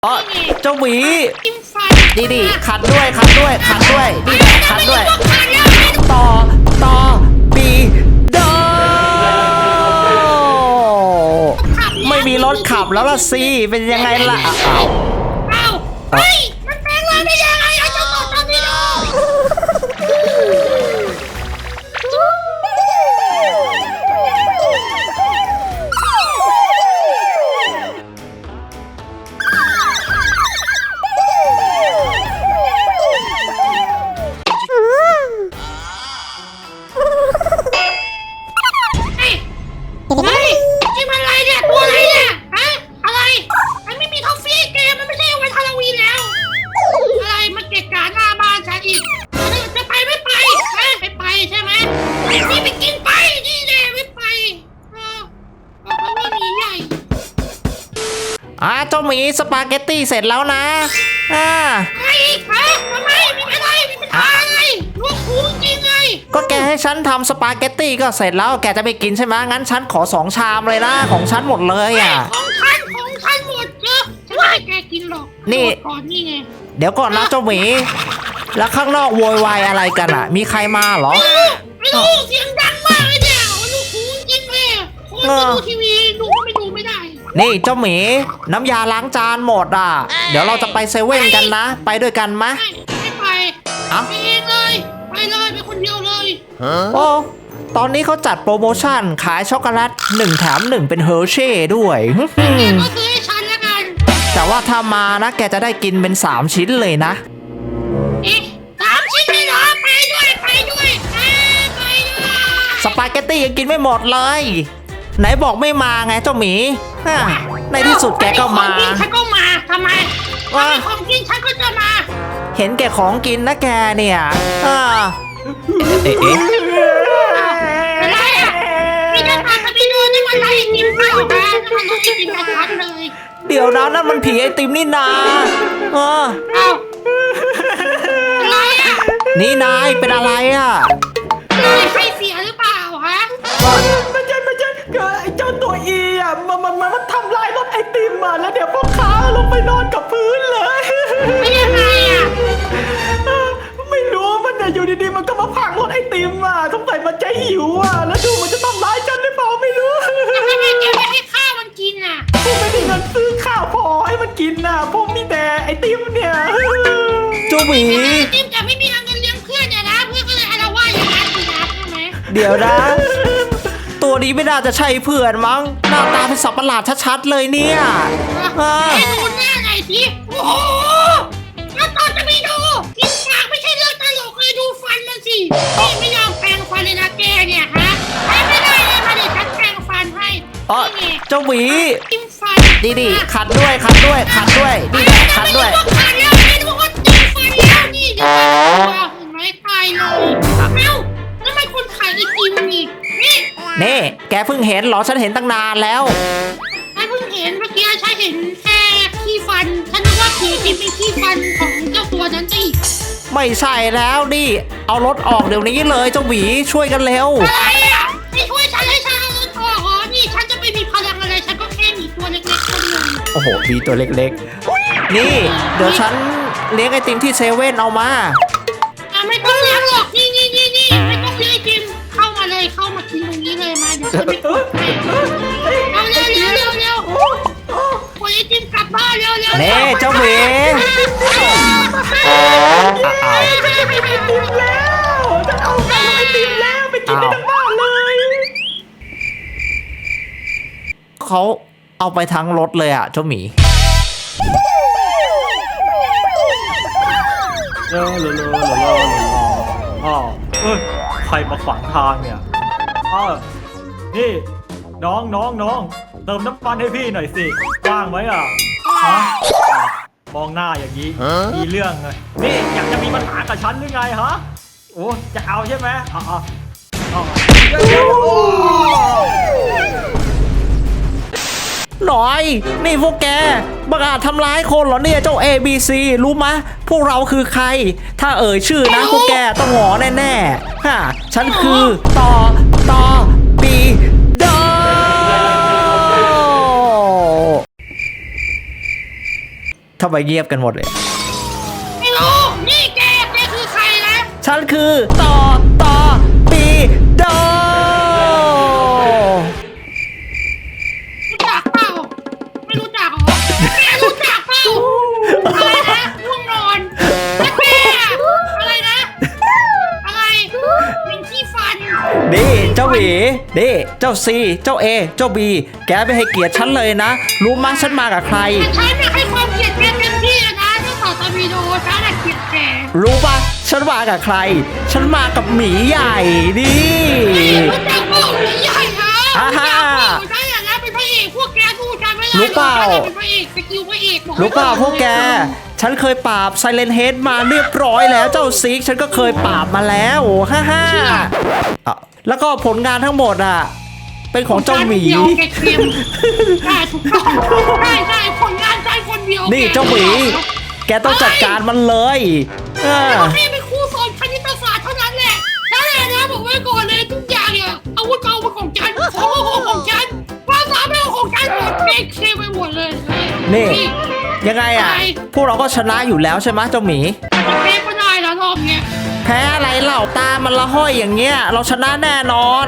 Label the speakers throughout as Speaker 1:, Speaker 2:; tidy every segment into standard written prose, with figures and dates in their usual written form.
Speaker 1: อ๋อเจ้าหมี
Speaker 2: กินฟัน
Speaker 1: ดีขัดด้วยนี่แหละขัดด้วยต่อต่อปีโดไม่มีรถขับแล้วล่ะสิเป็นยังไงล่ะ
Speaker 2: อ้าวเฮ้ยมันแปลงร่างได้ยังไงไอ้เจ้าต่อตอร์ปิโดเฮ้ยนี่มันอะไรเนี่ยตัวอะไรเนี่ยฮะอะไรมันไม่มีท็อฟฟี่เกมมันไม่ใช่วันฮาโลวีนแล้วอะไรมันเกะกะหน้าบ้านฉันอีกจะไปไม่ไปไม่ไปใช่ไหมนี่ไปกินไปนี่แน่ไม่ไปบอกว่ามีใหญ่
Speaker 1: เจ้าหมีสปาเกตตี้เสร็จแล้วนะ
Speaker 2: ไอ้ฮะทำไมมีอะไรมีปัญหาอะไรลูกคูจริงไง
Speaker 1: ก็แกให้ฉันทำสปาเกตตี้ก็เสร็จแล้วแกจะไปกินใช่ไหมงั้นฉันขอ2 ชามเลยนะของฉันหมดเลย
Speaker 2: ของฉันหมดเยอะฉันไม่ให้แกกินหรอก
Speaker 1: นี่
Speaker 2: ก่อนนี่ไง
Speaker 1: เดี๋ยวก่อนนะเจ้าหมีแล้วข้างนอกโวยวายอะไรกันมีใครมาเหรอ
Speaker 2: ไม่รู้เสียงดังมากเลยเนี่ยลูกคูจริงเลยคนจะดูทีวีดูก็ไม่ดูไม่ได้
Speaker 1: นี่เจ้าหมีน้ำยาล้างจานหมดเดี๋ยวเราจะไปเซเว่นกันนะไปด้วยกันมะ
Speaker 2: ไม่ไปไปเองเลยไปเลยไปคนเดียวเลย
Speaker 1: โอ้ตอนนี้เขาจัดโปรโมชั่นขายช็อกโกแลต1 แถม 1เป็นเฮอร์เช่ด้วย
Speaker 2: ก็ซื้อให้ฉันแล้วกัน
Speaker 1: แต่ว่าถ้ามานะแกจะได้กินเป็น3 ชิ้นเลยนะ
Speaker 2: 3 ชิ้นเลยเหรอไปด้วยไปด้วย
Speaker 1: สปาเกตตี้ยังกินไม่หมดเลยไหนบอกไม่มาไงเจ้าหมีในที่สุดแกก็มา
Speaker 2: ฉันก็มาทำไมของกินฉันก็จะมา
Speaker 1: เห็นแกของกินนะแกเนี่ย
Speaker 2: อะไรนี่จะพาไปดูนี่มันอะไรกินข้าวนะมันไม่กินกระชับเลย
Speaker 1: เดี๋ยวนะนั่นมันผีไอติมนี่นา
Speaker 2: อะไร
Speaker 1: นี่นายเป็นอะไร
Speaker 2: ใครเสียหรือเปล่าฮะ
Speaker 3: ไม่ใช่ไอ้เจ้าตัวมันทำลายรถไอติมแล้วเดี๋ยวพ่อค้าลงไปนอนกับพื้นเลย
Speaker 2: ไม่ยังไง
Speaker 3: ไม่รู้มันอยู่ดีๆมันก็มาพังรถไอติมสงสัยมันใจหิวแล้วดูมันจะทำร้ายฉันหรือเปล่าไม่รู้
Speaker 2: ทำไมแกไม่ให้ข้าวมันกิน
Speaker 3: ผมไม่ได้เงินซื้อข้าวพอให้มันกินผมมีแต่ไอติมเนี่ย
Speaker 1: จูหมี
Speaker 2: ไอติมแต่ไม่มีเงินเลี้ยงเพื่อนเนี่ยนะเพื่อนก็เลยอาละวาดอย่างนั้นสินะใช่ไหม
Speaker 1: เดี๋ยวนะตัวนี้ไม่น่าจะใช่เพื่อนมั้งหน้าตาเป็นสัตว์ประหลาดชัดๆเลยเนี่ย
Speaker 2: ให้ดูหน้าหน่อยสิโอ้โหแล้วตอนจะไปดูกินปากไม่ใช่เรื่องตลกเลยดูฟันมันสิไม่ยอมแปรงฟันเลยนะแกเนี่ยฮะไม่ได้เลยมาเดี๋ยวฉันแปรงฟันให้
Speaker 1: เจ้าหมี
Speaker 2: กินฟัน
Speaker 1: ดีขัดด้วยนี่แหละขัดด้วย
Speaker 2: ขัดแล้วไม่รู้ว่ากินฟันแล้วนี่เดี๋ยวเห็นไหมตายเลยแล้วมันคนขายไอติม
Speaker 1: นี่แกเพิ่งเห็นเหรอฉันเห็นตั้งนานแล้ว
Speaker 2: ฉันเพิ่งเห็นเมื่อกี้ฉันเห็นแค่ขี้ฟันฉันนึกว่าผีกินเป็นขี้ฟันของเจ้าตัวนั้นสิ
Speaker 1: ไม่ใช่แล้วดิเอารถออกเดี๋ยวนี้เลยเจ้าหวีช่วยกันเร็ว
Speaker 2: อะไรไม่ช่วยฉันให้ฉันเอารถออกนี่ฉันจะไปมีพลังอะไรฉันก็แค่มีตัวเล็กๆตัวเดียว
Speaker 1: โอ้โหมีตัวเล็กๆนี่เดี๋ยวฉันเลี้ยงไอติมที่เซเว่นเอามา
Speaker 2: ไม่ต้องเลี้ยงหรอกนี่ไม่ต้องเลี้ยงไอติมเข้ามาเลยเข้ามากินตรงนี้เลยมาเดี๋ยวฉันไปกดเอาเร็วกดไอติมกลับบ้านเร็ว
Speaker 1: เน่เจ้าหมี
Speaker 3: ไอติมแล้วจะเอาไอติมแล้วไปกินได้ทั้งบ้านเลย
Speaker 1: เขาเอาไปทั้งรถเลยเจ้าหมี
Speaker 3: ใครมาขวางทางเนี่ยนี่น้องเติมน้ำมันให้พี่หน่อยสิว่างไหมมองหน้าอย่างนี้มีเรื่องเลยนี่อยากจะมีปัญหากับฉันหรือไงโอ้จะเอาใช่ไหม
Speaker 1: หน่อยนี่พวกแกบังอาจทำร้ายคนเหรอเนี่ยเจ้า ABC รู้มะพวกเราคือใครถ้าชื่อนะพวกแกต้องหงอแน่ๆฉันคือต่อปีโด ททำไมเงียบกันหมดเลย
Speaker 2: ไม่รู้นี่แกคือใครนะ
Speaker 1: ฉันคือต่อปีโด
Speaker 2: รู้จักเปล่าไม่รู้จักเหรอแกรู้จักเปล่าอะไรนะง่วงนอนแล้วแกอะไรนะอะไรเป็นขี้ฟัน
Speaker 1: นี่เจ้าหวีนี่เจ้าซีเจ้าเอเจ้าบีแกไม่ให้เกียรติฉันเลยนะ รู้มั้ยฉันมากับใคร
Speaker 2: แต่ฉันน่ะให้ความเกลียดแกเต็มที่เลยนะเจ้าต่อตาบีโดฉันน่ะเกลียดแก
Speaker 1: รู้ปะฉันมากับใคร ฉันมากับหมีใหญ่ดิ
Speaker 2: รู้จักเปล่าหมีใหญ่ฮะ
Speaker 1: อ่าฮะ
Speaker 2: รู้จักเปล่าฉันอย่างนั้นเป็นพระเอกพวกแกดูฉันไม่ได้
Speaker 1: รู้เปล่า
Speaker 2: ฉันน่ะเป็นพระเอกสกิลพระเอกบอกไว้
Speaker 1: รู้เปล่า
Speaker 2: อน
Speaker 1: พวกแก ฉันเคยปราบไซเลนเฮดมาเรียบร้อยแล้วเจ้าซิกฉันก็เคยปราบมาแล้วฮ่าฮ่าอ่ะแล้วก็ผลงานทั้งหมดอ่ะ เป็นของเจ้าหมี
Speaker 2: เดียวแกเค็มใช่ถูกต้องใช่ผลงานใจคนเดียว
Speaker 1: นี่เจ้าหมี แกต้องจัดการมันเลยเออ
Speaker 2: เราแค่เป็นครูสอนคณิตศาสตร์เท่านั้นแหละนั่นแหละนะบอกไว้ก่อนเลยทุกอย่างเนี่ยอาวุธก็เอามาของฉันของฉันภาษาไม่เอาของฉันหมดแกเค็มไปหมดเลย
Speaker 1: นี่ ยังไงอ่ะ พวกเราก็ชนะอยู่แล้วใช่ไหมเจ้าหมี
Speaker 2: แพ้ก็ได้แล้วรอบเนี้ย
Speaker 1: แพ้อะไรเล่าตามันละห้อยอย่างเงี้ย เราชนะแน่นอน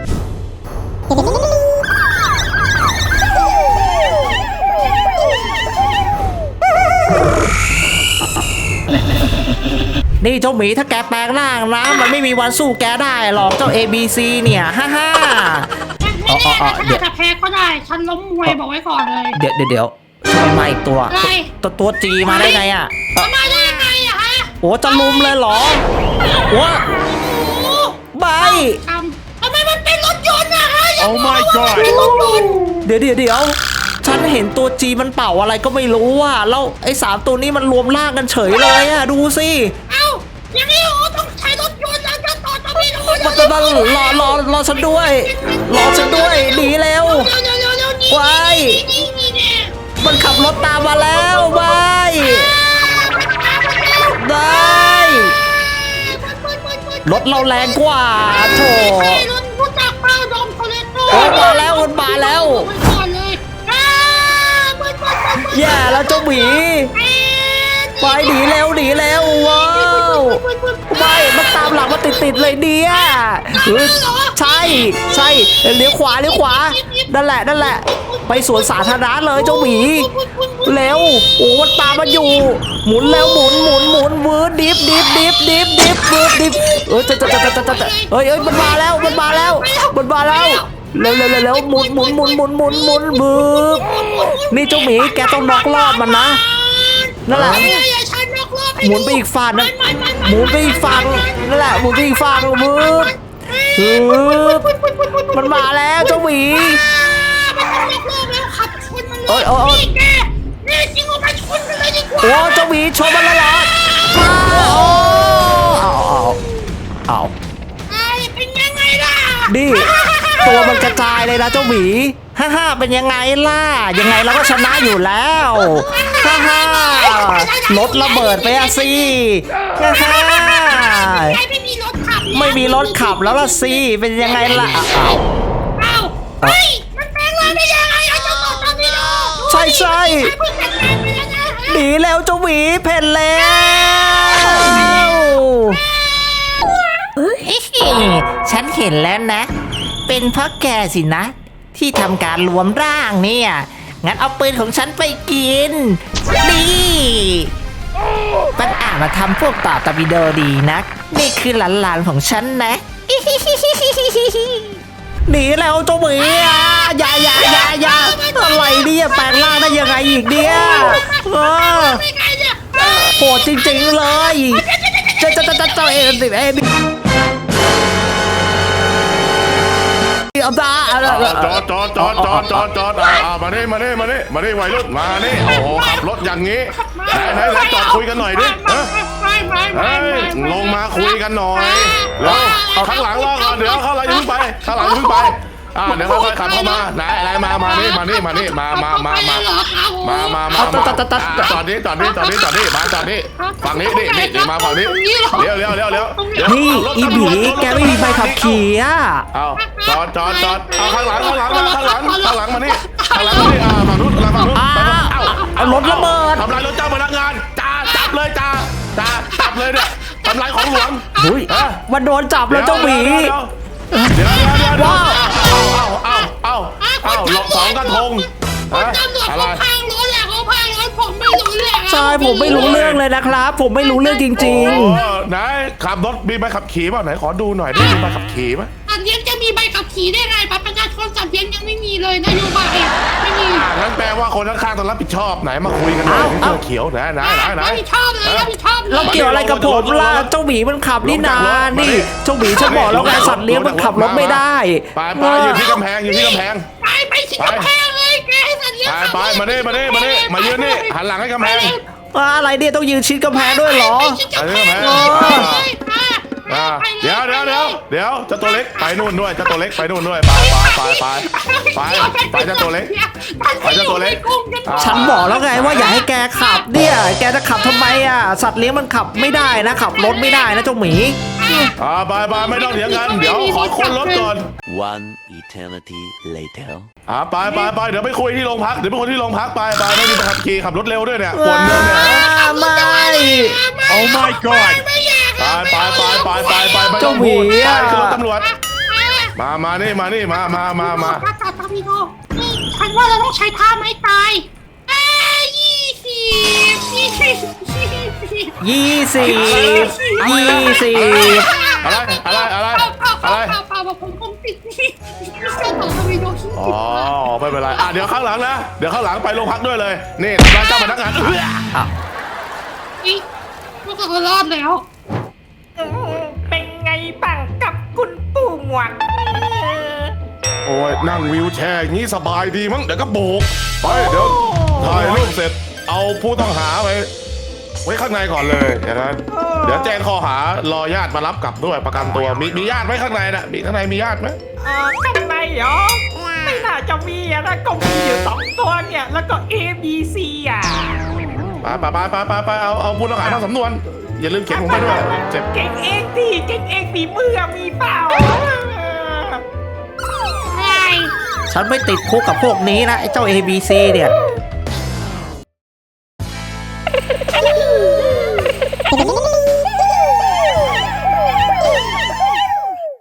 Speaker 1: นี่เจ้าหมีถ้าแกแปลงร่างนะมันไม่มีวันสู้แกได้หรอกเจ้า ABC เนี่ยฮ่าฮ่า
Speaker 2: ไม่แน่นะฉันอาจจะแพ้ก็ได้ฉันล้มมวยบอกไว้ก่อนเลย
Speaker 1: เดี๋ยวทำไมมาอีกตัว
Speaker 2: อะไร
Speaker 1: ตัวจีมาได้ไงอ่ะ
Speaker 2: มาได้ยังไงอะฮะ
Speaker 1: โอ้จะลุมเลยเหรอวะ
Speaker 2: โอ้
Speaker 1: ใบ
Speaker 2: ทำไมมันเป็นรถยนต์อะฮะ
Speaker 4: Oh my god
Speaker 2: เป็นรถยนต์
Speaker 1: เดี๋ยวฉันเห็นตัวจีมันเป่าอะไรก็ไม่รู้อ่ะแล้วไอ้3ตัวนี้มันรวมร่างกันเฉยเลยอ่ะดูสิ
Speaker 2: เอ้าอย่างนี้ต้องใช้รถยนต์แล้วจะต่อจะไม่รู้
Speaker 1: มันจะรอฉันด้วยรอฉันด้วยหนีเร็ว
Speaker 2: เร็วนี่
Speaker 1: ไว้
Speaker 2: นี่เนี่ย
Speaker 1: มันขับรถตามมาแล้วใบได้รถเราแรงกว่าโถ
Speaker 2: รถรู้จักเป้าดอมโทเลโต้
Speaker 1: โอ้มาแล้วมันมาแล้ว
Speaker 2: ไว้ก่อนเลย
Speaker 1: แย่แล้วเจ้าหมีไปหนีเร็วว้าวไม่มันตามหลังมาติดเลยเนี่ยเฮ้ยใช่เลี้ยวขวานั่นแหละ ไปสวนสาธารณะเลยเจ้าหมีเร็วโอ้มันตามมาอยู่หมุนแล้วหมุนวืดดิฟวืดดิฟเฮ้ยมันมาแล้วเร็วหมุนบึ้บนี่เจ้าหมีแกต้องน็อกรอบมันนะนั่นแหละหมุนไปอีกฝั่งนะหมุนไปอีกฝั่งนั่นแหละหมุนไปอีกฝั่งบึ้บมันมาแล้วเจ้าหมี
Speaker 2: โอ้ยนี่จริงว่าไปชนกันเลยดีกว่า
Speaker 1: โอ้เจ้าหมีชนมันแล้วเหรอเอา
Speaker 2: เป็นยังไงล่ะ
Speaker 1: ดิตัวมันกระจายเลยนะเจ้าหมีฮ่าเป็นยังไงล่ะยังไงเราก็ชนะอยู่แล้วฮ่ารถระเบิดไปอะสิฮ่า
Speaker 2: ไม่มีรถขับ
Speaker 1: ไม่มีรถขับแล้วล่ะสิเป็นยังไงล่ะอ้าว
Speaker 2: เฮ้ยมันแปลงร่างได้ยังไงอะเจ้าต่อตาพี่โด
Speaker 1: ใช่หนีแล้วเจ้าหมีเพ่นแล้วฉันเห็นแล้วนะ เป็นเพราะแกสินะ ที่ทำการรวมร่างเนี่ยงั้นเอาปืนของฉันไปกินนี่มันมาทำพวกต่อตะบิโดดีนักนี่คือหลานๆของฉันนะหนีแล้วเจ้าหมีอย่าอะไรเนี่ยแปลงร่างได้ยังไงอีกเนี่ยโหดจริงๆเลยเจ้าเอ็เอาตา
Speaker 4: จอดมานี่วัยรุ่นมานี่โอ้โหขับรถอย่างนี้ไหนจอดคุยกันหน่อยดิลงมาคุยกันหน่อยแล้วข้างหลังรอก่อนเดี๋ยวข้างหลังอย่าเพิ่งไปเดี๋ยวค่อยๆขับเข้ามาไหนอะไรมานี่มาจอดนี่มาจอดนี่ฝั่งนี้นี่มาฝั่งนี้เลี้ยว
Speaker 1: นี่อีบีแกไม่มีใบขับขี่อ่ะ
Speaker 4: เอาจอดเอาข้างหลังมานี่ฝั่งนู้นไป
Speaker 1: เอารถระเบิด
Speaker 4: ทำลายรถเจ้าพนักงานจ่าจับเลยจ่าจับเลยเนี่ยทำลายของหลวง
Speaker 1: อุ้ยมันโดนจับแล้วเจ้าหมี
Speaker 4: เดี๋ยวเอาสองกระทง
Speaker 2: คุณตำรวจ
Speaker 4: อะไร
Speaker 2: เขาพังรถแหละเขาพังรถผมไม่รู้เรื่อง
Speaker 1: ใช่ผมไม่รู้เรื่องเลยนะครับ ผมไม่รู้เรื่องจริง
Speaker 4: ไหนขับรถมีใบขับขี่ป่ะไหนขอดูหน่อยดิมีใบขับขี่ไหม
Speaker 2: สัตว์เลี้ยงจะมีใบขับขี่ได้ไงบัตรประชาชนสัตว์เลี้ยงยังไม่มีเลยนโยบายไม่มี
Speaker 4: งั้นแปลว่าคนข้างๆต้องรับผิดชอบไหนมาคุยกันหน่อยเสื้อเขียวไหน
Speaker 2: รับผิดชอบเลยรับผิดชอบ
Speaker 1: ๆ
Speaker 2: เล
Speaker 1: แล้ว
Speaker 2: ย
Speaker 1: เกี่ยวอะไรกับผมล่ะเจ้าหมีมันขับนี่นานี่เจ้าหมีฉันบอกแล้วไงสัตว์เลี้ยงมันขับรถไม่ได้
Speaker 4: ไปอยู่ที่กำแพงอยู่ที่กำแพง
Speaker 2: ไปสิกำแพงเลยแกให้สัตว์เลี้ยง
Speaker 4: ไปมาเน่มายืนนี่หันหลังให้กำแพง
Speaker 1: อะไรเนี่ยต้องยืนชิดกำแพงด้วยเหรอ
Speaker 4: เดี๋ยวเจ้าตัวเล็กไปนู่นด้วยเจ้าตัวเล็กไปนู่นด้วยไปเจ้าตัวเล็กไปเจ้าตัวเล็ก
Speaker 1: ฉันบอกแล้วไงว่าอย่าให้แกขับเนี่ยแกจะขับทำไมอ่ะสัตว์เลี้ยงมันขับไม่ได้นะขับรถไม่ได้นะเจ้าหมี
Speaker 4: ไปไม่ต้องเถียงกันเดี๋ยวขอค้นรถก่อน
Speaker 5: One eternity later.
Speaker 4: ไปเดี๋ยวไปคุยที่โรงพักเดี๋ยวไปคุยที่โรงพักไปไม่มีใบขับขี่ขับรถเร็วด้วยเนี่ยควรเงินเนี่ย
Speaker 1: ไม่
Speaker 3: Oh my god
Speaker 4: ไป
Speaker 1: เจ้าหมี
Speaker 4: ไป
Speaker 1: อ่ะ
Speaker 4: ขึ้นรถตำรวจมานี่มา
Speaker 2: จับตาพี่โตฉันว่าเราต้องใช้ท่าไม้ตาย
Speaker 1: 20
Speaker 2: ผมติดเส้นของวีโดชิ
Speaker 4: อ๋อไม่เป็นไรเดี๋ยวข้างหลังนะเดี๋ยวข้างหลังไปโรงพักด้วยเลยนี่ทำร้ายเจ้าพนักงาน
Speaker 2: นี่พวกเรารอดแล้ว
Speaker 6: เป็นไงบ้างกับคุณปู่หมวก
Speaker 4: โอ้ยนั่งวิวแชร์อย่างนี้สบายดีมั้งเดี๋ยวก็โบกไปเดี๋ยวถ่ายรูปเสร็จเอาผู้ต้องหาไว้ข้างในก่อนเลยอย่างนั้นเดี๋ยวแจ้งข้อหารอญาติมารับกลับด้วยประกันตัวมีญาติไหมข้างในน่ะข้างในมีญาติไหม
Speaker 6: ข้างในเหรอ ไม่น่าจะมีอะนะก็มีอยู่2 ตัวเนี่ย แล้วก็ A B C อ่ะ
Speaker 4: ไปเอาผู้ต้องหาทำสำนวนอย่าลืมเขียนผมไปด้วยเจ็บ
Speaker 6: เก่งเองดิเก่งเองฝีมือมีเปล่า
Speaker 1: ฉันไม่ติดคุกกับพวกนี้นะไอ้เจ้า ABC เนี่ย